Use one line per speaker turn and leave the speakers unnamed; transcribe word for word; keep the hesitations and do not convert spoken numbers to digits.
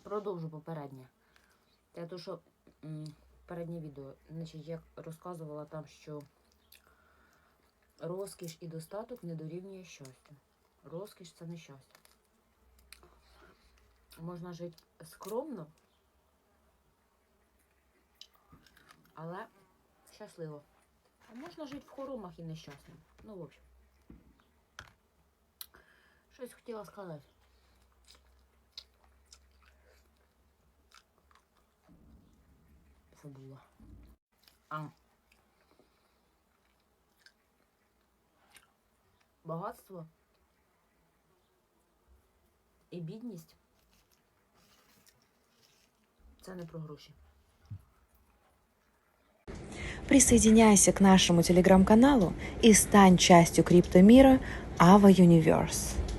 продовжу попереднє. Те, то, що м, переднє відео, значить, я розказувала там, що розкіш і достаток не дорівнює щастю. Розкіш – це не щастя. Можна жити скромно, але щасливо. А можна жити в хоромах і нещасним. Ну, в общем. Щось хотіла сказати. Забула. А. Багатство і бідність – це не про гроші.
Присоединяйся к нашему телеграм-каналу и стань частью криптомира Ava Universe.